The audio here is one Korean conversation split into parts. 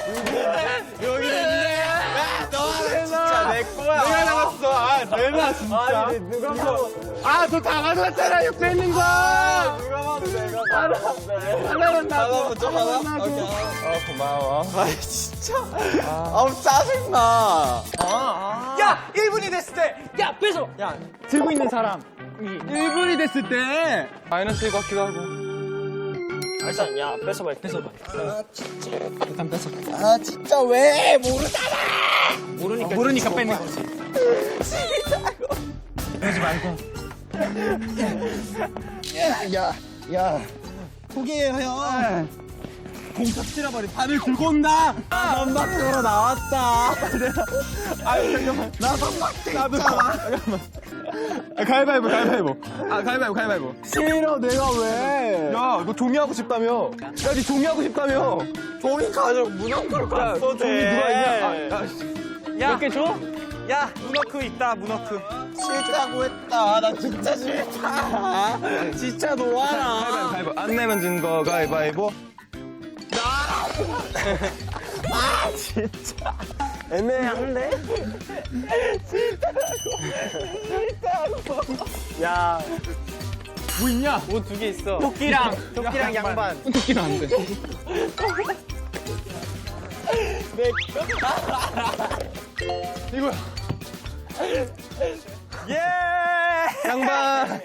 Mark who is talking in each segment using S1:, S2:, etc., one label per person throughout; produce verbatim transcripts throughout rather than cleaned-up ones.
S1: 여기 있네. 너 진짜 내 거야. 내가 나갔어. 아, 내가 진짜. 아니, 누가 봐도. 아, 너 다 가져갔잖아. 옆에 있는 거. 아, 누가 봐도 내가 가져갔네. 하나만 나도. 하나만 나도. 아, 고마워. 아, 진짜. 아우, 짜증나. 아, 아.
S2: 야, 일 분이 됐을 때. 야, 뺏어.
S1: 야, 들고 있는 사람. 일 분이 됐을 때. 마이너스일 것 같기도 하고.
S2: 일단, 야, 뺏어봐, 뺏어봐.
S1: 아, 진짜.
S2: 일단 뺏어.
S1: 아, 진짜 왜? 모르잖아.
S2: 모르니까.
S1: 아, 모르니까 뺏는 거지.
S2: 싫다고. 그러지 말고.
S1: 야, 야, 야. 포기해요, 형. 공탁 찔러버린 바늘 들고 온다. 아, 선박으로 나왔다. 아유, 잠깐만. 나 선박대 나도 잠깐만. 아, 가위바위보, 가위바위보. 아, 가위바위보, 가위바위보. 싫어, 내가 왜? 야, 너 종이하고 싶다며. 야, 니 종이하고 싶다며. 종이 가지고 문어크로 갔어, 종이 누가 있냐? 아, 야, 씨.
S2: 야, 몇 개 줘? 야, 문어크 있다, 문어크.
S1: 싫다고 했다. 나 진짜 싫다. 진짜 놓아라. 가위바위보, 가위바위보. 안 내면 진 거 가위바위보. 아, 진짜. 애매한데? 싫다고. 싫다고. 야. 뭐 있냐?
S2: 옷 두 개 있어.
S1: 토끼랑,
S2: 토끼랑 양반.
S1: 토끼는 안 돼. 내 이거야.
S2: 예!
S1: 양반.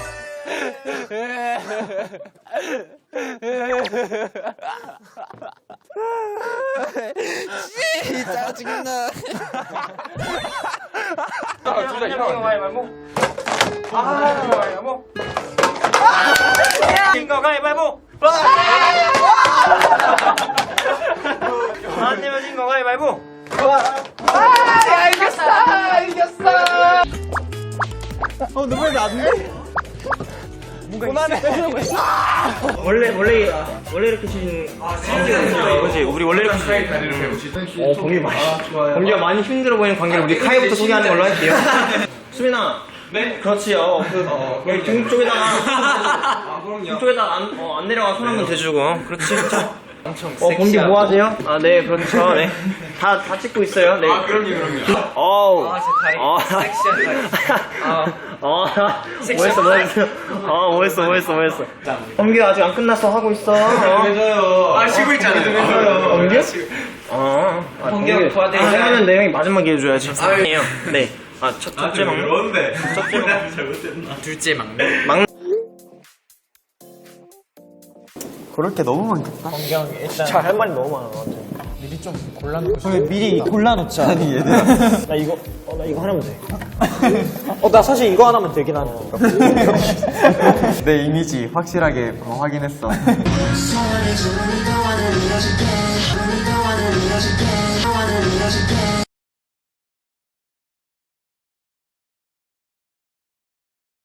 S1: 진짜 짜증나.
S2: 아, 둘다 이거 가위바위보. 아, 이거 가위바위보. 이거 가위바위보. 안 내면 이거 가위바위보.
S1: 아, 이겼어, 이겼어. 어, 너 왜 안 돼? 그만해.
S2: 원래 원래 원래 이렇게 치는 이거지. 우리 원래 이렇게 치는. 어, 범규 많이. 범규가 많이 힘들어 보이는 관계를 우리 카이부터 소개하는 걸로 할게요. 수민아. 네. 그렇지요. 그 여기 등 쪽에다가 등 쪽에다가 안, 어, 안 내려가 손 한번 대주고. 그렇지. 자. 어, 범규 뭐 하세요? 아, 네, 그렇죠. 네. 다, 다 찍고 있어요. 네. 아, 그럼요, 그럼요. 어우. 아, 제 다리. 어. 섹시한 다리. 어. 어. 뭐 했어, 뭐 했어. 어, 뭐 했어, 뭐 했어, 뭐 했어. 범규 아직 안 끝났어. 하고 있어.
S1: 왜져요? 아, 쉬고 있잖아요.
S2: 범규? 어. 아, 범규 도와드리자. 하면 내용이 마지막에 해줘야지. 아니에요. 네. 아, 첫, 첫째 막내.
S1: 그런데.
S2: 첫째 막내. 둘째 막내. 막내.
S1: 그렇게 너무 많겠다.
S2: 범규 일단. 잘 할 말이 너무 많아, 나한테. 미리 좀 골라놓고 싶어.
S1: 미리 골라놓자. 아니, 얘들아.
S2: 나 이거, 어, 나 이거 하나면 돼. 어, 나 사실 이거 하나면 되긴 하는데.
S1: 내 이미지 확실하게 어, 확인했어.
S3: 소원해줘, 우리도 wanna 이뤄줄게, 우리도 wanna 이뤄줄게, wanna